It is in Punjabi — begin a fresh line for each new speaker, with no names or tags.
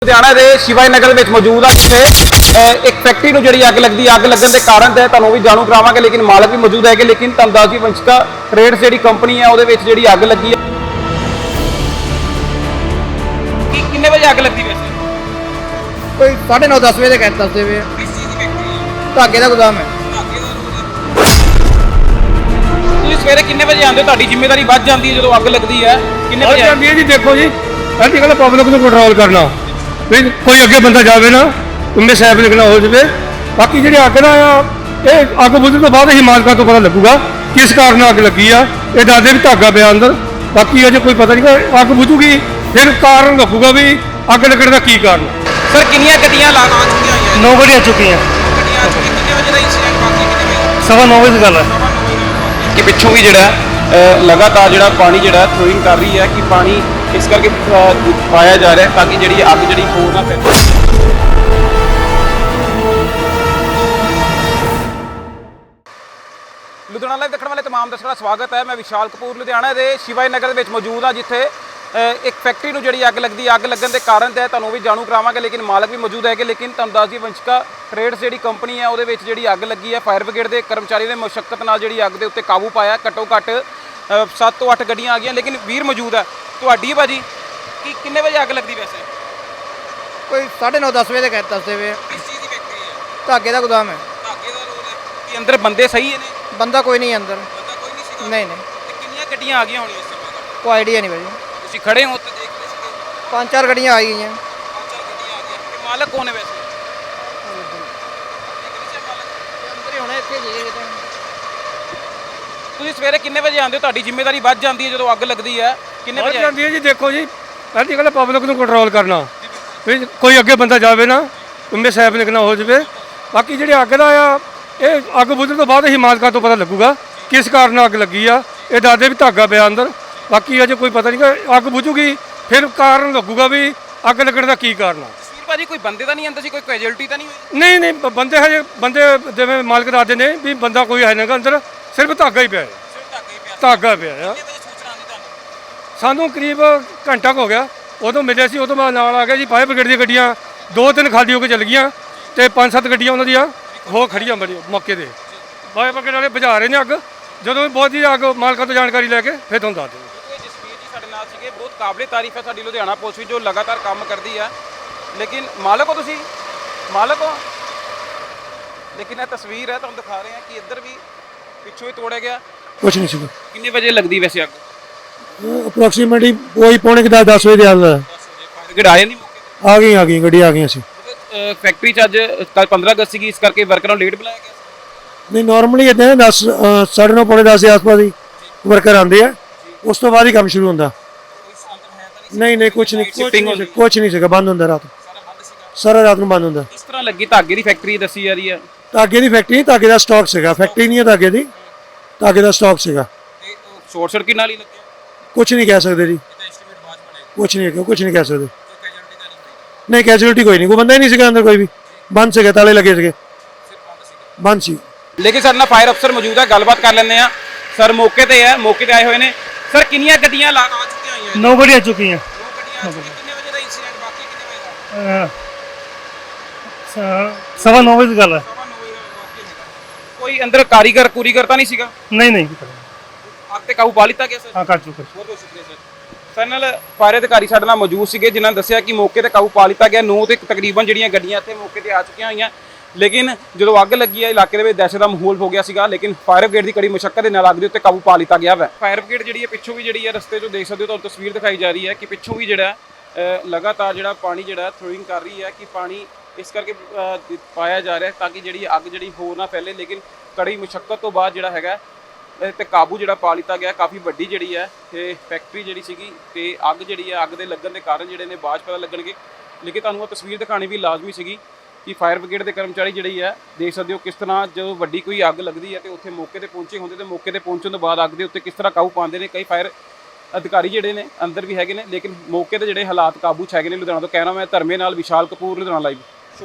ਲੁਧਿਆਣਾ ਦੇ ਸ਼ਿਵਾਈ ਨਗਰ ਵਿੱਚ ਮੌਜੂਦ ਆ ਜਿੱਥੇ ਇੱਕ ਫੈਕਟਰੀ ਨੂੰ ਜਿਹੜੀ ਅੱਗ ਲੱਗਦੀ ਅੱਗ ਲੱਗਣ ਦੇ ਕਾਰਨ ਤੇ ਤੁਹਾਨੂੰ ਵੀ ਜਾਣੂ ਕਰਾਵਾਂਗੇ ਲੇਕਿਨ ਮਾਲਕ ਵੀ ਮੌਜੂਦ ਹੈਗੇ ਲੇਕਿਨ ਤੁਹਾਨੂੰ ਦੱਸ ਦਈਏ ਵੰਸ਼ਿਕਾ ਟ੍ਰੇਡਸ ਜਿਹੜੀ ਕੰਪਨੀ ਹੈ ਉਹਦੇ ਵਿੱਚ ਜਿਹੜੀ ਅੱਗ ਲੱਗੀ ਹੈ ਕਿੰਨੇ ਵਜੇ ਅੱਗ ਲੱਗੀ ਵੈਸੇ
ਕੋਈ 9:30 10 ਵਜੇ ਦੇ ਕਹਿ ਦੱਸਦੇ ਵੇ
ਕਿਸ ਚੀਜ਼ ਦੀ ਫੈਕਟਰੀ ਹੈ
ਧਾਗੇ ਦਾ ਗੋਦਾਮ ਹੈ।
ਤੁਸੀਂ ਸਵੇਰੇ ਕਿੰਨੇ ਵਜੇ ਆਉਂਦੇ ਹੋ ਤੁਹਾਡੀ ਜ਼ਿੰਮੇਵਾਰੀ ਵੱਧ ਜਾਂਦੀ ਹੈ ਜਦੋਂ ਅੱਗ ਲੱਗਦੀ ਹੈ ਕਿੰਨੇ
ਵੱਧ
ਵਜੇ
ਜਾਂਦੀ ਹੈ ਜੀ। ਦੇਖੋ ਜੀ ਅੱਜ ਕੱਲ੍ਹ ਪਬਲਿਕ ਨੂੰ ਕੰਟਰੋਲ ਕਰਨਾ ਵੀ ਕੋਈ ਅੱਗੇ ਬੰਦਾ ਜਾਵੇ ਨਾ ਉਹਨੇ ਸੈਫ ਲਿਖਣਾ ਹੋ ਜਾਵੇ। ਬਾਕੀ ਜਿਹੜੀ ਅੱਗ ਦਾ ਆ ਇਹ ਅੱਗ ਬੁਝਣ ਤੋਂ ਬਾਅਦ ਹੀ ਮਾਲਕਾਂ ਤੋਂ ਪਤਾ ਲੱਗੂਗਾ ਕਿਸ ਕਾਰਨ ਅੱਗ ਲੱਗੀ ਆ। ਇਹ ਦੱਸਦੇ ਵੀ ਧਾਗਾ ਪਿਆ ਅੰਦਰ, ਬਾਕੀ ਅਜੇ ਕੋਈ ਪਤਾ ਨਹੀਂ। ਅੱਗ ਬੁਝੂਗੀ ਫਿਰ ਕਾਰਨ ਲੱਗੂਗਾ ਵੀ ਅੱਗ ਲੱਗਣ ਦਾ ਕੀ ਕਾਰਨ।
ਸਰ ਕਿੰਨੀਆਂ ਗੱਡੀਆਂ ਲਾ ਚੁੱਕੀਆਂ ਹੋਈਆਂ
9 ਵਜੇ ਆ ਚੁੱਕੀਆਂ,
ਗੱਡੀਆਂ ਕਿੰਨੇ ਵਜੇ ਦਾ ਇੰਸੀਡੈਂਟ ਬਾਕੀ ਕਿੰਨੇ ਵਜੇ
9:15 ਦੀ ਗੱਲ ਹੈ
ਕਿ ਪਿੱਛੋਂ ਵੀ ਜਿਹੜਾ ਲਗਾਤਾਰ ਜਿਹੜਾ ਪਾਣੀ ਜਿਹੜਾ ਥਰੋਇੰਗ ਕਰ ਰਹੀ ਹੈ ਕਿ ਪਾਣੀ ਇਸ ਕਰਕੇ ਪਾਇਆ ਜਾ ਰਿਹਾ ਤਾਂ ਕਿ ਜਿਹੜੀ ਅੱਗ ਜਿਹੜੀ ਹੋਰ ਨਾ ਫੈਲੇ। ਲੁਧਿਆਣਾ ਲਾਈਵ ਦੇਖਣ ਵਾਲੇ तमाम ਦਰਸ਼ਕਾਂ ਦਾ ਸਵਾਗਤ ਹੈ। ਮੈਂ ਵਿਸ਼ਾਲ ਕਪੂਰ ਲੁਧਿਆਣਾ ਦੇ ਸ਼ਿਵਾਈ ਨਗਰ ਵਿੱਚ ਮੌਜੂਦ ਹਾਂ ਜਿੱਥੇ ਇੱਕ ਫੈਕਟਰੀ ਨੂੰ ਜਿਹੜੀ ਅੱਗ ਲੱਗਣ ਦੇ ਕਾਰਨ ਤੇ ਤੁਹਾਨੂੰ ਵੀ ਜਾਣੂ ਕਰਾਵਾਂਗੇ ਲੇਕਿਨ ਮਾਲਕ ਵੀ ਮੌਜੂਦ ਹੈਗੇ ਲੇਕਿਨ ਤੁਹਾਨੂੰ ਦੱਸ ਦਈਏ ਵੰਸ਼ਿਕਾ ਟ੍ਰੇਡਸ ਜਿਹੜੀ ਕੰਪਨੀ ਹੈ ਉਹਦੇ ਵਿੱਚ ਜਿਹੜੀ ਅੱਗ ਲੱਗੀ ਹੈ ਫਾਇਰ ਬ੍ਰਿਗੇਡ ਦੇ ਕਰਮਚਾਰੀ ਨੇ ਮੁਸ਼ੱਕਤ ਨਾਲ ਜਿਹੜੀ ਅੱਗ ਦੇ ਉੱਤੇ ਕਾਬੂ ਪਾਇਆ। ਘੱਟੋ ਘੱਟ 7 ਤੋਂ 8 ਗੱਡੀਆਂ ਆ ਗਈਆਂ ਲੇਕਿਨ ਵੀਰ ਮੌਜੂਦ ਹੈ ਤੁਹਾਡੀ ਭਾਜੀ ਕਿ ਕਿੰਨੇ ਵਜੇ ਅੱਗ ਲੱਗਦੀ ਵੈਸੇ
ਕੋਈ 9:30 10 ਵਜੇ ਦੇ ਕਹਿ ਦੱਸਦੇ ਵੇ
ਕਿਸ ਚੀਜ਼ ਦੀ ਫੈਕਟਰੀ ਹੈ
ਧਾਗੇ ਦਾ ਗੋਦਾਮ ਹੈ।
ਧਾਗੇ ਦਾ ਰੋਲ ਹੈ ਕਿ ਅੰਦਰ ਬੰਦੇ ਸਹੀ ਨੇ
ਬੰਦਾ ਕੋਈ ਨਹੀਂ ਅੰਦਰ,
ਬੰਦਾ ਕੋਈ ਨਹੀਂ ਸੀਗਾ
ਨਹੀਂ
ਤੇ ਕਿੰਨੀਆਂ ਗੱਡੀਆਂ ਆ ਗਈਆਂ ਹੋਣੀਆਂ ਇਸ ਸਮੇਂ ਤੱਕ
ਕੋਈ ਆਈਡੀਆ ਨਹੀਂ ਭਾਜੀ।
ਤੁਸੀਂ ਖੜੇ ਹੋ ਤੇ ਦੇਖ ਰਹੇ ਸੀਗੇ
5-4 ਗੱਡੀਆਂ ਆ ਗਈਆਂ।
5-4 ਗੱਡੀਆਂ ਆ ਗਈਆਂ ਤੇ ਮਾਲਕ ਕੌਣ ਹੈ ਵੈਸੇ
ਅੰਦਰ ਹੀ ਹੋਣਾ ਇੱਥੇ ਜੀ ਕਿਤੇ।
ਤੁਸੀਂ ਸਵੇਰੇ ਕਿੰਨੇ ਵਜੇ ਆਉਂਦੇ ਹੋ ਤੁਹਾਡੀ ਜ਼ਿੰਮੇਵਾਰੀ ਵੱਧ ਜਾਂਦੀ ਹੈ ਜਦੋਂ ਅੱਗ ਲੱਗਦੀ ਹੈ ਕਿੰਨੇ
ਵੱਧ
ਵਜੇ
ਜਾਂਦੀ ਹੈ ਜੀ। ਦੇਖੋ ਜੀ ਅੱਜ ਕੱਲ੍ਹ ਪਬਲਿਕ ਨੂੰ ਕੰਟਰੋਲ ਕਰਨਾ ਵੀ ਕੋਈ ਅੱਗੇ ਬੰਦਾ ਜਾਵੇ ਨਾ ਉਹਨੇ ਸੈਫ ਲਿਖਣਾ ਹੋ ਜਾਵੇ। ਬਾਕੀ ਜਿਹੜੀ ਅੱਗ ਦਾ ਆ ਇਹ ਅੱਗ ਬੁਝਣ ਤੋਂ ਬਾਅਦ ਹੀ ਮਾਲਕਾਂ ਤੋਂ ਪਤਾ ਲੱਗੂਗਾ ਕਿਸ ਕਾਰਨ ਅੱਗ ਲੱਗੀ ਆ। ਇਹ ਦੱਸਦੇ ਵੀ ਧਾਗਾ ਪਿਆ ਅੰਦਰ, ਬਾਕੀ ਅਜੇ ਕੋਈ ਪਤਾ ਨਹੀਂ। ਅੱਗ ਬੁਝੂਗੀ ਫਿਰ ਕਾਰਨ ਲੱਗੂਗਾ ਵੀ ਅੱਗ ਲੱਗਣ ਦਾ ਕੀ ਕਾਰਨ ਆ।
ਤਸਵੀਰ ਭਾਜੀ ਕੋਈ ਬੰਦੇ ਤਾਂ ਨਹੀਂ ਅੰਦਰ ਸੀ ਕੋਈ ਕੈਜੁਅਲਟੀ ਤਾਂ ਨਹੀਂ ਹੋਈ
ਨਹੀਂ ਬੰਦੇ ਹਜੇ ਬੰਦੇ ਜਿਵੇਂ ਮਾਲਕ ਦੱਸਦੇ ਨੇ ਵੀ ਬੰਦਾ ਕੋਈ ਹੈ ਨਹੀਂਗਾ ਅੰਦਰ, ਸਿਰਫ ਧਾਗਾ ਹੀ ਪਿਆ ਹੈ।
ਸਿਰਫ ਧਾਗਾ ਹੀ ਪਿਆ
ਧਾਗਾ ਪਿਆ ਆ।
ਕਿੰਨੇ ਵਜੇ ਸੂਚਨਾ ਆਉਂਦੀ ਤੁਹਾਨੂੰ
ਸਾਨੂੰ ਕਰੀਬ ਘੰਟਾ ਕੁ ਹੋ ਗਿਆ, ਉਦੋਂ ਮਿਲਿਆ ਸੀ। ਉਦੋਂ ਮੈਂ ਨਾਲ ਆ ਗਿਆ ਜੀ। ਫਾਇਰ ਬ੍ਰਿਗੇਡ ਦੀਆਂ ਗੱਡੀਆਂ 2-3 ਖਾਲੀ ਹੋ ਕੇ ਚੱਲ ਗਈਆਂ ਤੇ 5-7 ਗੱਡੀਆਂ ਉਹਨਾਂ ਦੀਆਂ ਹੋ ਖੜੀਆਂ ਬੜੀ ਮੌਕੇ ਤੇ। ਫਾਇਰ ਬ੍ਰਿਗੇਡ ਵਾਲੇ ਬੁਝਾ ਰਹੇ ਨੇ ਅੱਗ। ਜਦੋਂ ਬਹੁਤ ਹੀ ਅੱਗ ਮਾਲਕਾਂ ਤੋਂ ਜਾਣਕਾਰੀ ਲੈ ਕੇ ਫਿਰ ਤੁਹਾਨੂੰ ਦੱਸ ਦਿੰਦੇ।
ਜਸਵੀਰ ਜੀ ਸਾਡੇ ਨਾਲ ਸੀਗੇ ਬਹੁਤ ਕਾਬਲੇ ਤਾਰੀਫ ਹੈ ਸਾਡੀ ਲੁਧਿਆਣਾ ਪੁਲਿਸ ਵੀ ਜੋ ਲਗਾਤਾਰ ਕੰਮ ਕਰਦੀ ਹੈ ਲੇਕਿਨ ਮਾਲਕ ਹੋ ਤੁਸੀਂ ਮਾਲਕ ਹੋ ਲੇਕਿਨ ਇਹ ਤਸਵੀਰ ਹੈ ਤੁਹਾਨੂੰ ਦਿਖਾ ਰਹੇ ਹਾਂ ਕਿ ਇੱਧਰ ਵੀ ਪਿੱਛੋਂ ਹੀ ਤੋੜਿਆ ਗਿਆ।
ਕੁਛ ਨਹੀਂ ਸੀਗਾ।
ਕਿੰਨੇ ਵਜੇ ਲੱਗਦੀ ਵੈਸੇ ਅੱਗ
ਅਪਰੋਕਸੀਮੇਟਲੀ ਕੋਈ ਪੌਣੇ 10 ਵਜੇ ਦੇ ਆਲ
10 ਵਜੇ ਫਾਇਰ ਬ੍ਰਿਗੇਡ ਆਏ ਨਹੀਂ ਮੌਕੇ
ਆ ਗਈ ਗੱਡੀ ਆ ਗਈਆਂ ਸੀ।
ਤੇ ਫੈਕਟਰੀ 'ਚ ਅੱਜ ਕੱਲ 15 ਅਗਸਤ ਸੀਗੀ ਇਸ ਕਰਕੇ ਵਰਕਰਾਂ ਨੂੰ ਲੇਟ ਬੁਲਾਇਆ ਗਿਆ ਸੀ
ਨਹੀਂ ਨਾਰਮਲੀ ਇਦਾਂ 10 9:30 ਪੌਣੇ 10 ਦੇ ਆਸ-ਪਾਸ ਹੀ ਵਰਕਰ ਆਉਂਦੇ ਆ, ਉਸ ਤੋਂ ਬਾਅਦ ਹੀ ਕੰਮ ਸ਼ੁਰੂ ਹੁੰਦਾ। ਨਹੀਂ ਕੁਛ ਨਹੀਂ ਸੀਗਾ। ਬੰਦ ਹੁੰਦਾ ਰਾਤ, ਸਾਰਾ ਰਾਤ ਨੂੰ ਬੰਦ ਹੁੰਦਾ।
ਕਿਸ ਤਰ੍ਹਾਂ ਲੱਗੀ ਧਾਗੇ ਦੀ ਫੈਕਟਰੀ ਦੱਸੀ ਜਾ ਰਹੀ ਹੈ
ਧਾਗੇ ਦੀ ਫੈਕਟਰੀ ਨਹੀਂ, ਧਾਗੇ ਦਾ ਸਟਾਕ ਸੀਗਾ। ਫੈਕਟਰੀ ਨਹੀਂ ਹੈ ਧਾਗੇ ਦੀ, ਧਾਗੇ ਦਾ ਸਟਾਕ ਸੀਗਾ।
ਤੇ ਸ਼ਾਰਟ ਸਰਕਟ ਨਾਲ ਹੀ ਲੱਗਿਆ
ਕੁਛ ਨਹੀਂ ਕਹਿ ਸਕਦੇ ਜੀ,
ਇਹਦਾ ਐਸਟੀਮੇਟ ਬਾਅਦ ਚ ਬਣੇਗਾ
ਕੁਛ ਨਹੀਂ ਕਹਿ ਸਕਦੇ।
ਕੋਈ ਕੈਜੁਅਲਟੀ ਤਾਂ ਨਹੀਂ ਹੋਈ
ਨਹੀਂ ਕੈਜੂਅਲਟੀ ਕੋਈ ਨਹੀਂ, ਕੋਈ ਬੰਦਾ ਹੀ ਨਹੀਂ ਸੀਗਾ ਅੰਦਰ, ਕੋਈ ਵੀ ਬੰਦ ਸੀਗਾ, ਤਾਲੇ ਲੱਗੇ ਸੀਗੇ,
ਸਿਰਫ ਬੰਦ ਸੀਗਾ।
ਬੰਦ ਸੀ।
ਲੇਕਿਨ ਸਾਡੇ ਨਾਲ ਫਾਇਰ ਅਫਸਰ ਮੌਜੂਦ ਹੈ ਗੱਲਬਾਤ ਕਰ ਲੈਂਦੇ ਆ ਸਰ ਮੌਕੇ ਤੇ ਆਏ ਹੋਏ ਨੇ ਸਰ ਕਿੰਨੀਆਂ ਗੱਡੀਆਂ ਆ ਚੁੱਕੀਆਂ ਹੋਈਆਂ
9 ਵਜੇ ਆ ਚੁੱਕੀਆਂ।
2 ਗੱਡੀਆਂ ਆ ਚੁੱਕੀਆਂ ਕਿੰਨੇ ਵਜੇ ਦਾ ਇਨਸੀਡੈਂਟ ਬਾਕੀ ਕਿੰਨੇ ਵਜੇ ਦਾ
9:15 ਵਜੇ ਦੀ ਗੱਲ ਹੈ।
9:30 ਵਜੇ ਦਾ ਕੋਈ ਅੰਦਰ ਕਾਰੀਗਰ ਤਾਂ ਨਹੀਂ ਸੀਗਾ
ਨਹੀਂ
ਅੱਗ ਤੇ ਕਾਬੂ ਪਾ ਲਿੱਤਾ ਗਿਆ ਸਰ
ਹਾਂ ਕਰ ਚੁੱਕੇ।
ਬਹੁਤ ਬਹੁਤ ਸ਼ੁਕਰੀਆ ਸਰ ਸਾਡੇ ਨਾਲ ਫਾਇਰ ਅਧਿਕਾਰੀ ਸਾਡੇ ਨਾਲ ਮੌਜੂਦ ਸੀਗੇ ਜਿਨ੍ਹਾਂ ਨੇ ਦੱਸਿਆ ਕਿ ਮੌਕੇ ਤੇ ਕਾਬੂ ਪਾ ਲਿੱਤਾ ਗਿਆ 9 ਤੇ ਤਕਰੀਬਨ ਜਿਹੜੀਆਂ ਗੱਡੀਆਂ ਇੱਥੇ ਮੌਕੇ ਤੇ ਆ ਚੁੱਕੀਆਂ ਹੋਈਆਂ ਲੇਕਿਨ ਜਦੋਂ ਅੱਗ ਲੱਗੀ ਹੈ ਇਲਾਕੇ ਦੇ ਵਿੱਚ ਦਹਿਸ਼ਤ ਦਾ ਮਾਹੌਲ ਹੋ ਗਿਆ ਸੀਗਾ ਲੇਕਿਨ ਫਾਇਰ ਬ੍ਰਿਗੇਡ ਦੀ ਕੜੀ ਮੁਸ਼ੱਕਤ ਦੇ ਨਾਲ ਅੱਗ ਦੇ ਉੱਤੇ ਕਾਬੂ ਪਾ ਲਿੱਤਾ ਗਿਆ ਹੈ। ਫਾਇਰ ਬ੍ਰਿਗੇਡ ਜਿਹੜੀ ਹੈ ਪਿੱਛੋਂ ਵੀ ਜਿਹੜੀ ਹੈ ਰਸਤੇ 'ਚੋਂ ਦੇਖ ਸਕਦੇ ਹੋ ਤੁਹਾਨੂੰ ਤਸਵੀਰ ਦਿਖਾਈ ਜਾ ਰਹੀ ਹੈ ਕਿ ਪਿੱਛੋਂ ਵੀ ਜਿਹੜਾ ਲਗਾਤਾਰ ਜਿਹੜਾ ਪਾਣੀ ਜਿਹੜਾ ਥਰੋਇੰਗ ਕਰ ਰਹੀ ਹੈ ਕਿ ਪਾਣੀ ਇਸ ਕਰਕੇ ਪਾਇਆ ਜਾ ਰਿਹਾ ਤਾਂ ਕਿ ਜਿਹੜੀ ਅੱਗ ਜਿਹੜੀ ਹੋਰ ਨਾ ਫੈਲੇ ਲੇਕਿਨ ਕੜੀ ਮੁਸ਼ੱਕਤ ਤੋਂ ਬਾਅਦ ਜਿਹੜਾ ਹੈਗਾ ਤੇ ਕਾਬੂ ਜਿਹੜਾ ਪਾ ਲਿੱਤਾ ਗਿਆ। ਕਾਫੀ ਵੱਡੀ ਜਿਹੜੀ ਹੈ ਇਹ ਫੈਕਟਰੀ ਜਿਹੜੀ ਸੀਗੀ ਤੇ ਅੱਗ ਜਿਹੜੀ ਹੈ ਅੱਗ ਦੇ ਲੱਗਣ ਦੇ ਕਾਰਨ ਜਿਹੜੇ ਨੇ ਬਾਅਦ ਪਤਾ ਲੱਗਣਗੇ ਲੇਕਿਨ ਤੁਹਾਨੂੰ ਉਹ ਤਸਵੀਰ ਦਿਖਾਣੀ ਵੀ ਲਾਜ਼ਮੀ ਸੀਗੀ ਕਿ ਫਾਇਰ ਬ੍ਰਿਗੇਡ ਦੇ ਕਰਮਚਾਰੀ ਜਿਹੜੀ ਹੈ ਦੇਖ ਸਕਦੇ ਹੋ ਕਿਸ ਤਰ੍ਹਾਂ ਜਦੋਂ ਵੱਡੀ ਕੋਈ ਅੱਗ ਲੱਗਦੀ ਹੈ ਤੇ ਉੱਥੇ ਮੌਕੇ ਤੇ ਪਹੁੰਚੇ ਹੁੰਦੇ ਤੇ ਮੌਕੇ ਤੇ ਪਹੁੰਚਣ ਤੋਂ ਬਾਅਦ ਅੱਗ ਦੇ ਉੱਤੇ ਕਿਸ ਤਰ੍ਹਾਂ ਕਾਬੂ ਪਾਉਂਦੇ ਨੇ। ਕਈ ਫਾਇਰ ਅਧਿਕਾਰੀ ਜਿਹੜੇ ਨੇ ਅੰਦਰ ਵੀ ਹੈਗੇ ਨੇ ਲੇਕਿਨ ਮੌਕੇ ਤੇ ਜਿਹੜੇ ਹਾਲਾਤ ਕਾਬੂ 'ਚ ਹੈਗੇ ਨੇ। ਲੁਧਿਆਣਾ ਤੋਂ ਕਹਿਣਾ ਮੈਂ ਧਰਮੇ ਨਾਲ ਵਿਸ਼ਾਲ ਕਪੂਰ ਲੁਧਿਆਣਾ ਲਾਈਵ।